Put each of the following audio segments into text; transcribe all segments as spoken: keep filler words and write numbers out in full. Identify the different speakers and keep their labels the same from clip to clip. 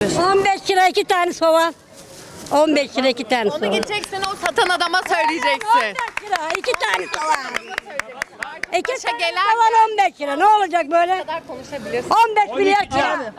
Speaker 1: diyorsun?
Speaker 2: on beş lira iki tane soğan. on beş lira iki tane
Speaker 3: Onu
Speaker 2: soğan.
Speaker 3: gideceksin o satan adama söyleyeceksin.
Speaker 2: on beş lira iki tane soğan. İki
Speaker 3: Başa
Speaker 2: tane
Speaker 3: gelen
Speaker 2: soğan on beş lira. Ne olacak böyle?
Speaker 3: kadar konuşabilirsin.
Speaker 2: on beş milyar kira.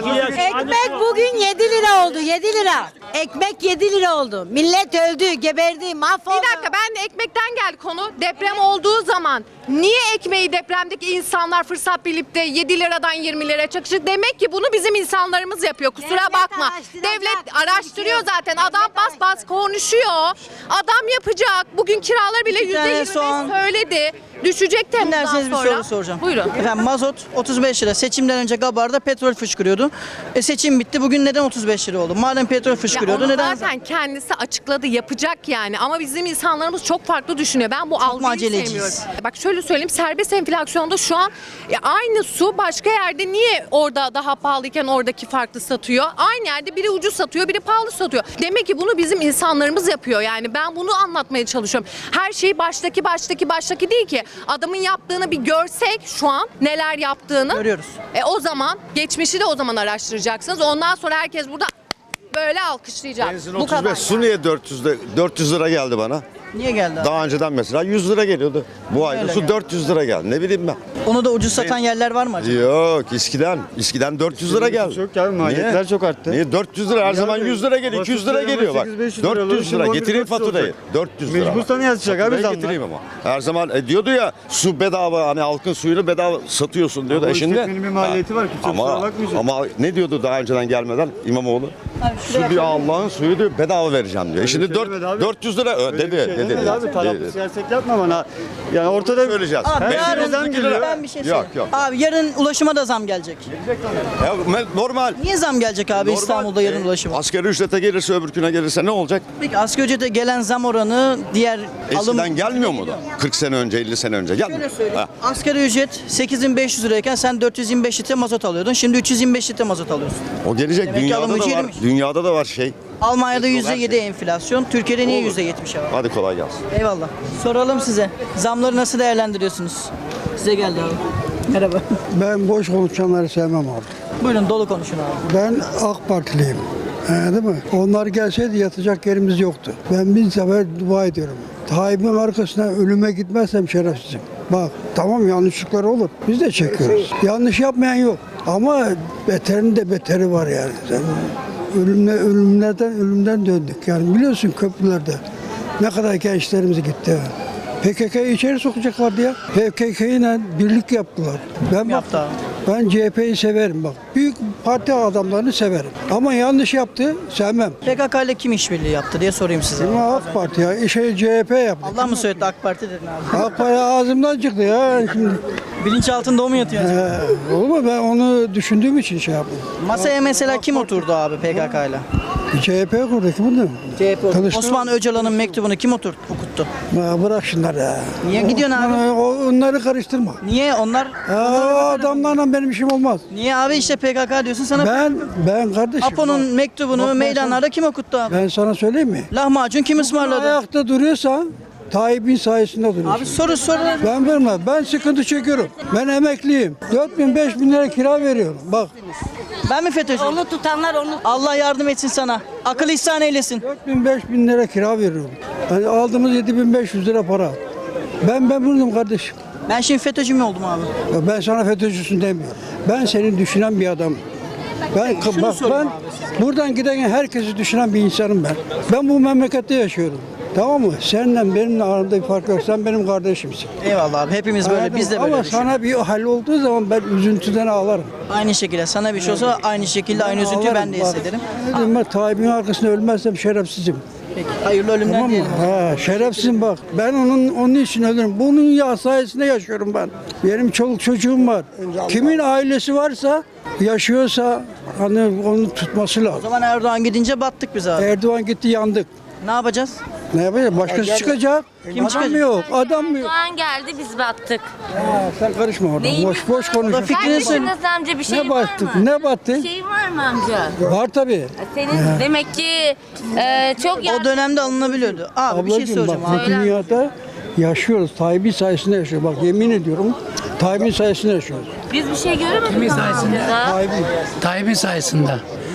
Speaker 4: Ekmek bugün yedi lira oldu, yedi lira. Ekmek yedi lira oldu. Millet öldü, geberdi, mahvoldu.
Speaker 3: Bir dakika, ben de ekmekten geldi konu. Deprem olduğu zaman niye ekmeği depremdeki insanlar fırsat bilip de yedi liradan yirmi liraya çakışır? Demek ki bunu bizim insanlarımız yapıyor. Kusura
Speaker 4: Devlet
Speaker 3: bakma.
Speaker 4: araştıracak,
Speaker 3: Devlet araştırıyor
Speaker 4: konuşuyor.
Speaker 3: zaten. Adam bas bas konuşuyor. Adam yapacak. Bugün kiralar bile
Speaker 1: İki
Speaker 3: yüzde
Speaker 1: tane
Speaker 3: yirmi
Speaker 1: soğan.
Speaker 3: söyledi. Düşecek Temmuz'dan
Speaker 1: Dinlerseniz bir
Speaker 3: sonra.
Speaker 1: soru soracağım.
Speaker 3: Buyurun.
Speaker 1: Efendim mazot otuz beş lira. Seçimden önce Gabar'da petrol fışkırıyordu. E seçim bitti. Bugün neden otuz beş lira oldu? Madem petrol
Speaker 3: Ya
Speaker 1: fışkırıyordu
Speaker 3: onu
Speaker 1: neden?
Speaker 3: zaten kendisi açıkladı, yapacak yani. Ama bizim insanlarımız çok farklı düşünüyor. Ben bu algıyı
Speaker 1: aceleciyiz?
Speaker 3: sevmiyorum. Bak şöyle söyleyeyim, serbest enflasyonda şu an ya aynı su başka yerde niye orada daha pahalıyken oradaki farklı satıyor? Aynı yerde biri ucuz satıyor, biri pahalı satıyor. Demek ki bunu bizim insanlarımız yapıyor. Yani ben bunu anlatmaya çalışıyorum. Her şey baştaki baştaki baştaki değil ki. Adamın yaptığını bir görsek şu an neler yaptığını.
Speaker 1: Görüyoruz.
Speaker 3: E o zaman geçmişi de o zaman araştıracaksınız. Ondan sonra herkes burada böyle alkışlayacak.
Speaker 5: Benzin
Speaker 3: Bu
Speaker 5: otuz
Speaker 3: kadar.
Speaker 5: beş. Su niye dört yüz de- dört yüz lira geldi bana?
Speaker 1: Niye geldi abi?
Speaker 5: Daha önceden mesela yüz lira geliyordu. Bu ayda
Speaker 1: Öyle
Speaker 5: su
Speaker 1: geldi.
Speaker 5: dört yüz lira geldi. Ne bileyim ben.
Speaker 1: Onu da ucuz satan yerler var mı acaba?
Speaker 5: Yok eskiden. Eskiden dört yüz lira geldi.
Speaker 6: Çok geldi, maliyetler
Speaker 5: Niye?
Speaker 6: çok arttı.
Speaker 5: Niye? dört yüz lira her zaman yüz lira geliyor. iki yüz lira geliyor bak.
Speaker 6: sekiz beş yüz lira
Speaker 5: dört yüz lira.
Speaker 6: alıyor.
Speaker 5: Getireyim
Speaker 6: Şimdi
Speaker 5: faturayı.
Speaker 6: olacak.
Speaker 5: dört yüz lira.
Speaker 6: Mecbursan yazacak abi
Speaker 5: Faturayı
Speaker 6: zamlar.
Speaker 5: getireyim ama. Her zaman e, diyordu ya su bedava, hani halkın suyunu bedava satıyorsun diyordu.
Speaker 6: Ama
Speaker 5: E şimdi
Speaker 6: işletmenin bir maliyeti var, kimse kusura
Speaker 5: ama,
Speaker 6: bakmayacak.
Speaker 5: ama ne diyordu daha önceden gelmeden İmamoğlu?
Speaker 1: Abi
Speaker 5: Su
Speaker 1: şuraya
Speaker 5: diyor Allah'ın suyu diyor bedava vereceğim diyor. E şimdi
Speaker 6: şey demedi abi.
Speaker 5: dört yüz lira ö,
Speaker 6: Öyle
Speaker 5: dedi.
Speaker 6: bir şey
Speaker 5: dedi,
Speaker 6: demedi
Speaker 5: dedi,
Speaker 6: abi, taraflı
Speaker 5: dedi.
Speaker 6: siyaset yapma bana. Yani ortada
Speaker 5: Söyleyeceğiz.
Speaker 1: Abi
Speaker 5: Benzin
Speaker 1: yarın
Speaker 5: otuz iki lira.
Speaker 1: ben bir şey
Speaker 5: Yok
Speaker 1: söyleyeyim.
Speaker 5: yok.
Speaker 1: Abi yarın ulaşıma da zam gelecek.
Speaker 5: Ya, me- normal.
Speaker 1: Niye zam gelecek abi
Speaker 5: Normal.
Speaker 1: İstanbul'da yarın
Speaker 5: E,
Speaker 1: ulaşıma?
Speaker 5: Asgari ücrete gelirse öbürküne gelirse ne olacak?
Speaker 1: Peki asgari ücrete gelen zam oranı diğer alım...
Speaker 5: Eskiden gelmiyor mu da? kırk sene önce, elli sene önce gelmiyor.
Speaker 1: Şöyle söyleyeyim.
Speaker 5: Ha.
Speaker 1: Asgari ücret sekiz bin beş yüz lirayken sen dört yüz yirmi beş litre mazot alıyordun. Şimdi üç yüz yirmi beş litre mazot alıyorsun.
Speaker 5: O gelecek.
Speaker 1: Demek ki alım
Speaker 5: Dünyada da
Speaker 1: gücü
Speaker 5: var.
Speaker 1: erimiş.
Speaker 5: Dünyada da var şey.
Speaker 1: Almanya'da
Speaker 5: Petrol,
Speaker 1: yüzde
Speaker 5: her
Speaker 1: yedi
Speaker 5: şey.
Speaker 1: enflasyon. Türkiye'de niye
Speaker 5: Olur.
Speaker 1: yüzde yetmiş var?
Speaker 5: Hadi kolay gelsin.
Speaker 1: Eyvallah. Soralım size. Zamları nasıl değerlendiriyorsunuz? Size geldi abi. Merhaba.
Speaker 7: Ben boş konuşanları sevmem abi.
Speaker 1: Buyurun dolu konuşun abi.
Speaker 7: Ben AK Partiliyim. Ee, değil mi? Onlar gelseydi yatacak yerimiz yoktu. Ben bin sefer dua ediyorum. Tayyip'in arkasına ölüme gitmezsem şerefsizim. Bak tamam yanlışlıklar olur. Biz de çekiyoruz. Yanlış yapmayan yok. Ama beterin de beteri var yani. Sen ölümle, ölümlerden ölümden döndük. Yani biliyorsun köprülerde ne kadar gençlerimiz gitti. P K K'yı içeri sokacaklardı ya. P K K ile birlik yaptılar. Ben bak,
Speaker 1: yaptı abi?
Speaker 7: ben C H P'yi severim bak. Büyük parti adamlarını severim. Ama yanlış yaptı, sevmem.
Speaker 1: P K K ile kim işbirliği yaptı diye sorayım size.
Speaker 7: Ama AK Parti ya, şey C H P yaptı.
Speaker 1: Allah mı söyledi AK Parti dedin abi?
Speaker 7: AK Parti ağzımdan çıktı ya. Şimdi,
Speaker 1: Bilinçaltında o mu yatıyor?
Speaker 7: he, olur mu? Ben onu düşündüğüm için şey yaptım.
Speaker 1: Masaya mesela kim oturdu abi P K K ile?
Speaker 7: C H P kurdu ki bunu.
Speaker 1: C H P oturdu.
Speaker 7: Kılıçdaroğlu.
Speaker 1: Osman Öcalan'ın mektubunu kim oturttu, okuttu?
Speaker 7: Ya bırak şunları ya.
Speaker 1: Niye gidiyorsun abi?
Speaker 7: Onları, onları karıştırma.
Speaker 1: Niye onlar?
Speaker 7: Ya, o adamlarla benim işim olmaz.
Speaker 1: Niye abi işte P K K diyorsun sana?
Speaker 7: Ben ben kardeşim.
Speaker 1: Apo'nun
Speaker 7: bak,
Speaker 1: mektubunu
Speaker 7: bak ben
Speaker 1: meydanlarda kim okuttu abi?
Speaker 7: sana- Ben sana söyleyeyim mi?
Speaker 1: Lahmacun kim ısmarladı?
Speaker 7: Ayakta duruyorsan Tayyip'in sayesinde duruyorsun.
Speaker 1: Abi soru soru.
Speaker 7: Ben vermem. Ben sıkıntı çekiyorum. Ben emekliyim. dört bin beş bin lira kira veriyorum. Bak
Speaker 1: Ben mi FETÖ'cüyüm?
Speaker 4: Onu tutanlar onu.
Speaker 1: Allah yardım etsin sana. Akıl ihsan eylesin.
Speaker 7: dört bin beş bin lira kira veriyorum. Yani aldığımız yedi bin beş yüz lira para. Ben ben buldum kardeşim.
Speaker 1: Ben şimdi FETÖ'cü mü oldum abi?
Speaker 7: Ya ben sana FETÖ'cüsün demiyorum. Ben seni düşünen bir adamım. Ben
Speaker 1: Şunu
Speaker 7: bak
Speaker 1: sorayım
Speaker 7: ben buradan giden herkesi düşünen bir insanım ben. Ben bu memlekette yaşıyorum. Tamam mı? Seninle benimle aramda bir fark yok. Sen benim kardeşimsin.
Speaker 1: Eyvallah abi. Hepimiz böyle.
Speaker 7: Anladın
Speaker 1: Biz de
Speaker 7: mı?
Speaker 1: böyle
Speaker 7: Ama
Speaker 1: düşünüyoruz.
Speaker 7: sana bir hal olduğu zaman ben üzüntüden ağlarım.
Speaker 1: Aynı şekilde sana bir şey olsa aynı şekilde aynı üzüntüyü ben de
Speaker 7: Bak,
Speaker 1: hissederim.
Speaker 7: Dedim ben Tayyip'in arkasında ölmezsem şerefsizim.
Speaker 1: Peki. Hayırlı ölümler
Speaker 7: Tamam mı?
Speaker 1: diyelim.
Speaker 7: Ha, şerefsizim bak. Ben onun onun için ölürüm. Bunun ya sayesinde yaşıyorum ben. Benim çoluk çocuğum var. Kimin ailesi varsa, yaşıyorsa hani onu tutması
Speaker 1: O
Speaker 7: lazım.
Speaker 1: zaman Erdoğan gidince battık biz abi.
Speaker 7: Erdoğan gitti yandık.
Speaker 1: Ne yapacağız?
Speaker 7: Ne yapacağız? Başkası çıkacak.
Speaker 1: Kim
Speaker 7: Adam
Speaker 1: çıkacak?
Speaker 7: yok. Adam mı yok?
Speaker 8: Erdoğan geldi biz battık.
Speaker 7: Ha, sen karışma oradan.
Speaker 8: Neyimiz
Speaker 7: Boş boş
Speaker 1: O da
Speaker 7: konuş.
Speaker 1: fikrini
Speaker 8: Senin
Speaker 1: söyle.
Speaker 8: nasıl amca bir şey
Speaker 7: Ne
Speaker 8: var
Speaker 7: battık?
Speaker 8: mı?
Speaker 7: Ne battı?
Speaker 8: Bir şey var mı amca?
Speaker 7: Var tabii.
Speaker 8: Senin demek ki e, çok
Speaker 1: O
Speaker 8: yardım...
Speaker 1: dönemde alınabiliyordu. Abi bir şey
Speaker 7: Ablacığım bak
Speaker 1: soracağım
Speaker 7: bu
Speaker 1: abi.
Speaker 7: dünyada yaşıyoruz. Tayyip'in sayesinde yaşıyoruz. Bak yemin ediyorum Tayyip'in sayesinde yaşıyoruz.
Speaker 8: Biz bir şey göremedik Kimin sayesinde?
Speaker 7: Tayyip'in.
Speaker 9: Tayyip'in sayesinde.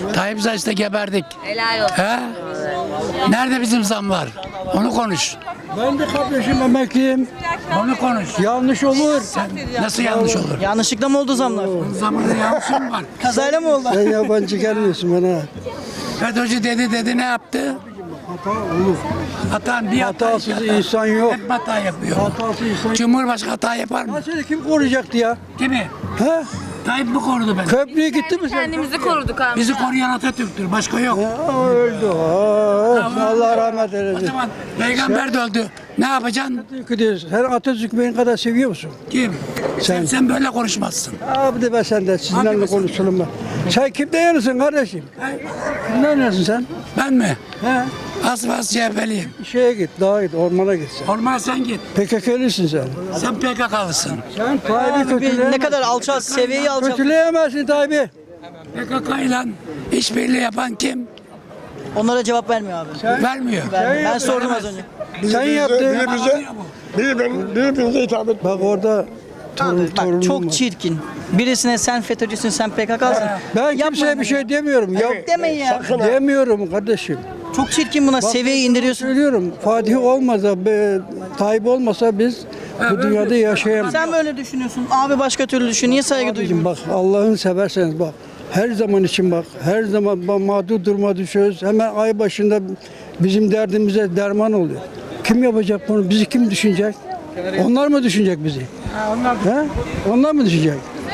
Speaker 9: Tayyip sayesinde geberdik.
Speaker 8: Helal olsun.
Speaker 9: He? Nerede bizim zamlar? Onu konuş.
Speaker 7: Ben de kardeşim emekliyim.
Speaker 9: Onu konuş.
Speaker 7: Yanlış olur.
Speaker 9: Nasıl yanlış olur?
Speaker 1: Yanlışlıkla mı oldu zamlar?
Speaker 9: Zamanında yanlışım var.
Speaker 1: Kazayla mı oldu?
Speaker 7: Sen yabancı gelmiyorsun bana.
Speaker 9: FETÖ'cü dedi dedi ne yaptı?
Speaker 7: Hata olur.
Speaker 9: Hata bir hata.
Speaker 7: Hatasız insan yok.
Speaker 9: Hep hata yapıyor.
Speaker 7: Hatasız insan yok.
Speaker 9: Cumhurbaşkanı hata yapar mı?
Speaker 7: Ya seni kim koruyacaktı ya?
Speaker 9: Kimi?
Speaker 7: He?
Speaker 9: Tayyip mi korudu beni?
Speaker 7: Köprüye gitti mi sen?
Speaker 8: Kendimizi koruduk amca.
Speaker 9: Bizi koruyan Atatürk'tür. Başka yok.
Speaker 7: Ya, öldü. Aa, Allah rahmet
Speaker 9: O
Speaker 7: eylesin.
Speaker 9: zaman peygamber de öldü. Ne yapacaksın?
Speaker 7: Sen Atatürk'ü benim kadar seviyor musun?
Speaker 9: Kim? Sen,
Speaker 7: Sen.
Speaker 9: sen böyle konuşmazsın.
Speaker 7: Abi de ben senden sizinle
Speaker 9: Hadi be.
Speaker 7: konuşalım ben. Sen kimden yanısın kardeşim? Kimden yanısın sen?
Speaker 9: Ben mi?
Speaker 7: He?
Speaker 9: Asfas C H P'liyim.
Speaker 7: Şeye git, dağa git, ormana git sen.
Speaker 9: Ormana sen git.
Speaker 7: P K K'lisin sen.
Speaker 9: Sen P K K'lısın.
Speaker 7: Sen Tayyip'i
Speaker 1: Abi bir-
Speaker 7: kötüleyemezsin.
Speaker 1: ne kadar alçal, seviyeyi alçal.
Speaker 7: Kötüleyemezsin Tayyip'i.
Speaker 9: P K K ile işbirliği yapan kim?
Speaker 1: Onlara cevap vermiyor abi.
Speaker 9: Vermiyor.
Speaker 1: Ben, ben sordum az önce.
Speaker 7: Sen yaptın.
Speaker 9: Birbirimize,
Speaker 7: Birbirimize hitap et. Bak orada torun,
Speaker 1: Bak
Speaker 7: torunum
Speaker 1: çok
Speaker 7: var.
Speaker 1: çirkin. Birisine sen FETÖ'cüsün, sen P K K'sın.
Speaker 7: Ben kimseye bir şey demiyorum. Ya,
Speaker 1: Demeyin ya.
Speaker 7: demiyorum kardeşim.
Speaker 1: Çok çirkin buna. Seviyeyi indiriyorsun.
Speaker 7: Söylüyorum. Fatih olmasa, be, Tayyip olmasa biz bu dünyada yaşayamayız.
Speaker 1: Sen böyle düşünüyorsun. Abi başka türlü düşün. Niye saygı
Speaker 7: Abicim
Speaker 1: duymuyorsun?
Speaker 7: bak Allah'ını severseniz bak. Her zaman için bak. Her zaman bak, mağdur duruma düşüyoruz. Hemen ay başında bizim derdimize derman oluyor. Kim yapacak bunu? Bizi kim düşünecek? Onlar mı düşünecek bizi? onlar. He? Onlar mı düşünecek?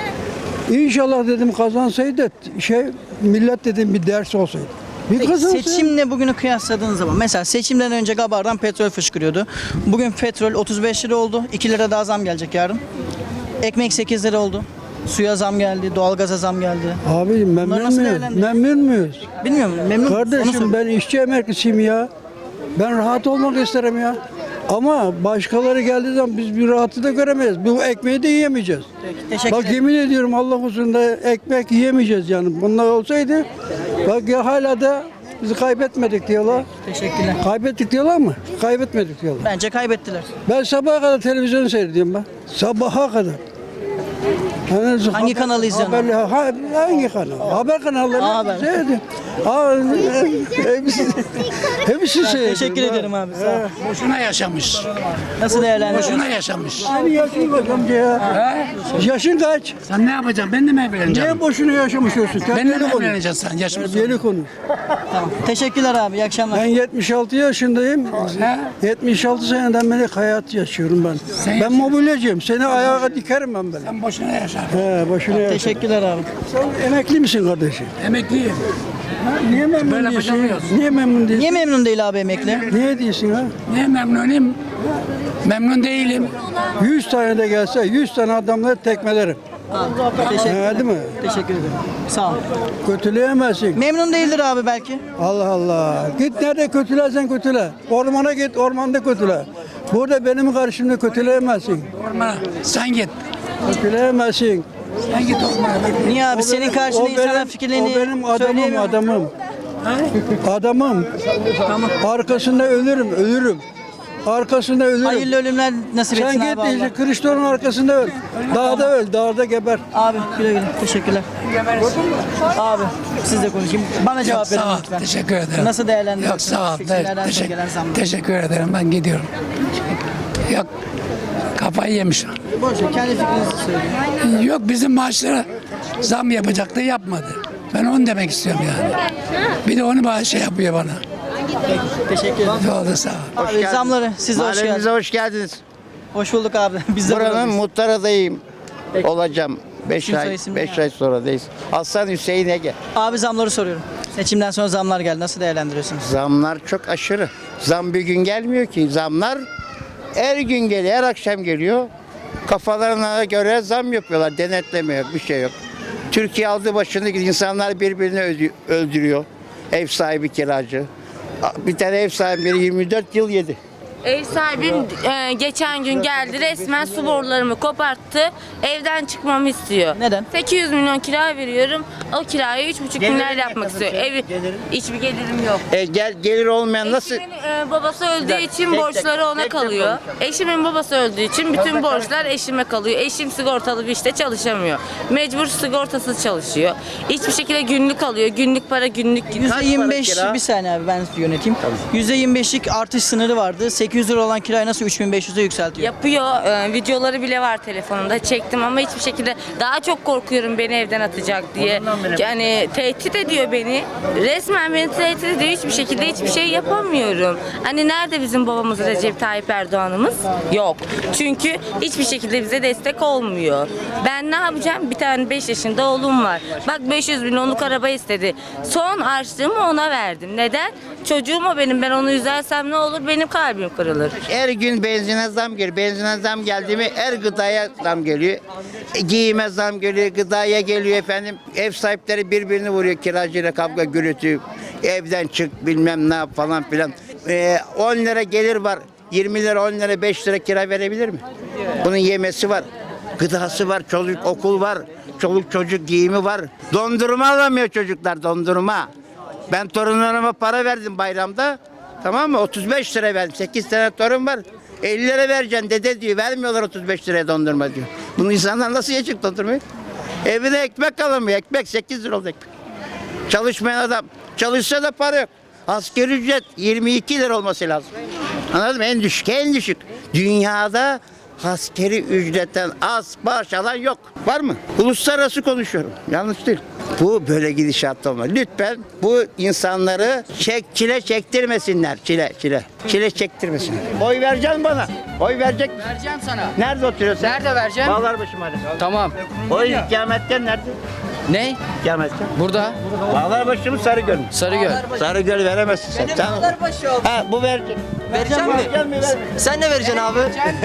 Speaker 7: İnşallah dedim kazansaydı şey millet dedim bir ders olsaydı. Bir
Speaker 1: Peki,
Speaker 7: kazansaydı.
Speaker 1: seçimle bugünü kıyasladığın zaman mesela seçimden önce Gabar'dan petrol fışkırıyordu. Bugün petrol otuz beş lira oldu. iki lira daha zam gelecek yarın. Ekmek sekiz lira oldu. Suya zam geldi, doğalgaza zam geldi.
Speaker 7: Abicim
Speaker 1: Bunları
Speaker 7: memnun
Speaker 1: nasıl
Speaker 7: muyuz?
Speaker 1: değerlendiriyorsun?
Speaker 7: Memnun muyuz?
Speaker 1: Bilmiyorum, memnun musun? Onu
Speaker 7: Kardeşim
Speaker 1: sor.
Speaker 7: ben işçi emeklisiyim ya. Ben rahat olmak isterim ya. Ama başkaları geldiği zaman biz bir rahatı da göremeyiz. Bu ekmeği de yiyemeyeceğiz.
Speaker 1: Teşekkür
Speaker 7: Bak
Speaker 1: ederim.
Speaker 7: yemin ediyorum Allah huzurunda ekmek yiyemeyeceğiz yani. Bunlar olsaydı bak ya hala da bizi kaybetmedik diyorlar.
Speaker 1: Teşekkürler.
Speaker 7: Kaybettik diyorlar mı? Kaybetmedik diyorlar.
Speaker 1: Bence kaybettiler.
Speaker 7: Ben sabaha kadar televizyon seyrediyorum ben. Sabaha kadar. Yani
Speaker 1: Hangi kanalı izliyorsun?
Speaker 7: Haberli, ha, hangi kanal? Haber kanalları.
Speaker 1: Haber.
Speaker 7: Seyrediyorum. Aa, hepsi, hepsi seyrediyorum.
Speaker 1: Teşekkür
Speaker 7: ha.
Speaker 1: ederim abi. Sağ ol.
Speaker 9: Boşuna yaşamış.
Speaker 1: Nasıl değerlendiriyorsun?
Speaker 9: Boşuna yaşamış.
Speaker 7: Senin yaşın kaç amca ya? Yaşın kaç?
Speaker 9: Sen ne yapacaksın? Ben de mi evleneceğim?
Speaker 7: Niye boşuna yaşamış olsun?
Speaker 9: Benimle
Speaker 7: Terbiyeli
Speaker 9: mi
Speaker 7: konuş.
Speaker 9: evleneceksin sen? Yaşım
Speaker 7: Terbiyeli konuş.
Speaker 1: Tamam. Teşekkürler abi. İyi akşamlar.
Speaker 7: Ben yetmiş altı yaşındayım. yetmiş altı seneden beri hayat yaşıyorum ben.
Speaker 9: Sen
Speaker 7: ben mobilyacıyım. Seni ayağa dikerim ben böyle.
Speaker 9: Sen boşuna yaşa.
Speaker 7: He, boşuna yaşa.
Speaker 1: Teşekkürler abi.
Speaker 7: Sen emekli misin kardeşim?
Speaker 9: Emekliyim.
Speaker 7: Niye memnun
Speaker 9: Böyle
Speaker 7: değilsin?
Speaker 9: yapamıyoruz.
Speaker 7: Niye memnun değilsin?
Speaker 1: Niye memnun değil abi emekli?
Speaker 7: Niye değilsin ha?
Speaker 9: Niye memnunum? Memnun değilim.
Speaker 7: yüz tane de gelse yüz tane adamları tekmelerim.
Speaker 1: Abi, teşekkürler.
Speaker 7: He, değil mi?
Speaker 1: Teşekkür ederim. Sağ ol.
Speaker 7: Kötüleyemezsin.
Speaker 1: Memnun değildir abi belki.
Speaker 7: Allah Allah. Git nerede kötülersen kötüle. Ormana git, ormanda kötüle. Burada benim karşımda kötüleyemezsin.
Speaker 9: Ormana. Sen git.
Speaker 7: Kötüleyemezsin.
Speaker 9: Sen git ormana.
Speaker 1: Niye abi? Senin karşında
Speaker 7: O
Speaker 1: insanlar
Speaker 7: benim-
Speaker 1: fikirlerini
Speaker 7: O benim adamım,
Speaker 1: söyleyemiyor.
Speaker 7: adamım. Adamım. Arkasında ölürüm, ölürüm. Arkasında ölürüm.
Speaker 1: Hayırlı ölümler nasip
Speaker 7: Sen
Speaker 1: etsin
Speaker 7: git
Speaker 1: abi Allah.
Speaker 7: işte Kılıçdaroğlu'nun arkasında öl. Dağda öl, dağda geber.
Speaker 1: Abi güle güle. Teşekkürler. Abi siz de konuşayım. Bana cevap verin
Speaker 9: Sağ ol.
Speaker 1: lütfen.
Speaker 9: Teşekkür ederim.
Speaker 1: Nasıl değerlendiriyorsunuz?
Speaker 9: Yok sağ ol.
Speaker 1: Seçimlerden sonra
Speaker 9: Teşekkür,
Speaker 1: gelen zamlar.
Speaker 9: teşekkür ederim. Ben gidiyorum. Yok. Kafayı yemiş.
Speaker 1: Boş ver, kendi fikrinizi söyleyin.
Speaker 9: Yok bizim maaşlara zam yapacaktı yapmadı. Ben onu demek istiyorum yani. Bir de onu bana şey yapıyor bana.
Speaker 1: Teşekkür ederim.
Speaker 9: Oldu sağ ol.
Speaker 1: Abi zamları siz de hoş
Speaker 10: Mahallemize
Speaker 1: geldiniz.
Speaker 10: hoş geldiniz.
Speaker 1: Hoş bulduk abi. Biz de
Speaker 10: Buranın
Speaker 1: buradayız.
Speaker 10: muhtar adayım
Speaker 1: Peki.
Speaker 10: olacağım. beş
Speaker 1: İsim soy
Speaker 10: ay
Speaker 1: isim
Speaker 10: beş
Speaker 1: ne
Speaker 10: ay sonradayız. Hasan Hüseyin Ege.
Speaker 1: Abi zamları soruyorum. Seçimden sonra zamlar geldi. Nasıl değerlendiriyorsunuz?
Speaker 10: Zamlar çok aşırı. Zam bir gün gelmiyor ki. Zamlar her gün geliyor, her akşam geliyor. Kafalarına göre zam yapıyorlar. Denetleme yok, bir şey yok. Türkiye aldı başını, insanlar birbirini öldü- öldürüyor. Ev sahibi kiracı. Bir tane ev sahibi yirmi dört yıl yedi.
Speaker 8: Ev sahibim e, geçen gün geldi, resmen su borularımı koparttı. Evden çıkmamı istiyor.
Speaker 1: Neden?
Speaker 8: sekiz yüz milyon kira veriyorum. O kirayı üç buçuk
Speaker 10: Gelirin
Speaker 8: milyar
Speaker 10: ne
Speaker 8: yapmak
Speaker 10: kadar
Speaker 8: istiyor.
Speaker 10: senin?
Speaker 8: Evi
Speaker 10: Gelirin?
Speaker 8: hiçbir gelirim yok.
Speaker 10: E, gel gelir olmayan nasıl?
Speaker 8: Eşimin e, babası öldüğü
Speaker 10: dakika,
Speaker 8: için
Speaker 10: tek
Speaker 8: borçları
Speaker 10: tek,
Speaker 8: ona
Speaker 10: tek tek
Speaker 8: kalıyor.
Speaker 10: konuşalım.
Speaker 8: Eşimin babası öldüğü için bütün borçlar eşime kalıyor. Eşim sigortalı bir işte çalışamıyor. Mecbur sigortasız çalışıyor. Hiçbir şekilde günlük alıyor. Günlük para günlük gidiyor.
Speaker 1: yüzde yirmi beş
Speaker 10: kira?
Speaker 1: bir saniye abi ben yöneteyim. yüzde yirmi beşlik artış sınırı vardı. sekiz yüz lira olan kirayı nasıl üç bin beş yüze yükseltiyor?
Speaker 8: Yapıyor. Ee, videoları bile var telefonumda. Çektim ama hiçbir şekilde daha çok korkuyorum beni evden atacak diye. Yani tehdit ediyor beni. Resmen beni tehdit ediyor. Hiçbir şekilde hiçbir şey yapamıyorum. Hani nerede bizim babamız Recep Tayyip Erdoğan'ımız? Yok. Çünkü hiçbir şekilde bize destek olmuyor. Ben ne yapacağım? Bir tane beş yaşında oğlum var. Bak beş yüz milyonluk araba istedi. Son harçlığımı ona verdim. Neden? Çocuğum o benim. Ben onu üzersem ne olur? Benim kalbim kırılır.
Speaker 10: Her gün benzine zam geliyor. Benzine zam geldi mi her gıdaya zam geliyor. E, Giyime zam geliyor, gıdaya geliyor efendim. Ev sahipleri birbirini vuruyor kiracıyla kavga gürültü. Evden çık bilmem ne yap falan filan. E, on lira gelir var. yirmi lira, on lira, beş lira kira verebilir mi? Bunun yemesi var. Gıdası var, çocuk okul var. Çoluk çocuk giyimi var. Dondurma alamıyor çocuklar, dondurma. Ben torunlarıma para verdim bayramda. Tamam mı? otuz beş lira verdim. sekiz tane torun var. elli lira vereceksin dede diyor. Vermiyorlar otuz beş liraya dondurma diyor. Bunu insanlar nasıl yiyecek dondurmayı? Evine ekmek alamıyor. Ekmek sekiz lira oldu ekmek. Çalışmayan adam. Çalışsa da para yok. Asgari ücret yirmi iki lira olması lazım. Anladın mı? En düşük, en düşük. Dünyada askeri ücretten az maaş alan yok. Var mı? Uluslararası konuşuyorum. Yanlış değil. Bu böyle gidişat olmaz. Lütfen bu insanları çek, çile çektirmesinler. Çile, çile. Çile çektirmesinler. Oy vereceksin bana. Oy verecek misin?
Speaker 1: Vereceğim sana.
Speaker 10: Nerede oturuyorsun?
Speaker 1: Nerede vereceğim?
Speaker 10: Bağlarbaşı Mahallesi.
Speaker 1: Tamam.
Speaker 10: Oy ikametgah nerede?
Speaker 1: Ne?
Speaker 10: İkametgah.
Speaker 1: Burada.
Speaker 10: Bağlarbaşı mı Sarıgöl mü?
Speaker 1: Sarıgöl.
Speaker 10: Sarıgöl veremezsin sen. Sen ha bu verecek.
Speaker 1: Vereceğim mi?
Speaker 10: Verecek mi? Ver.
Speaker 1: Sen ne vereceksin abi?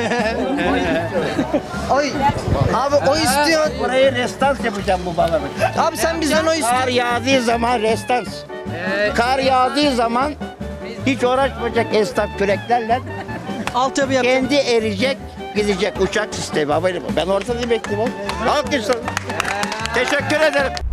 Speaker 1: Oy. Abi o istiyor.
Speaker 10: Burayı restans yapacağım bu Bağlarbaşı.
Speaker 1: Abi sen bizden o
Speaker 10: Kar
Speaker 1: istiyorsun.
Speaker 10: yağdığı zaman restans. Kar yağdığı zaman hiç uğraşmayacak esnaf küreklerle
Speaker 1: Altyapı yapacağım.
Speaker 10: kendi erecek gidecek uçak sistemi. Ben ortada bekleyeyim. Alkışlar. Teşekkür ederim.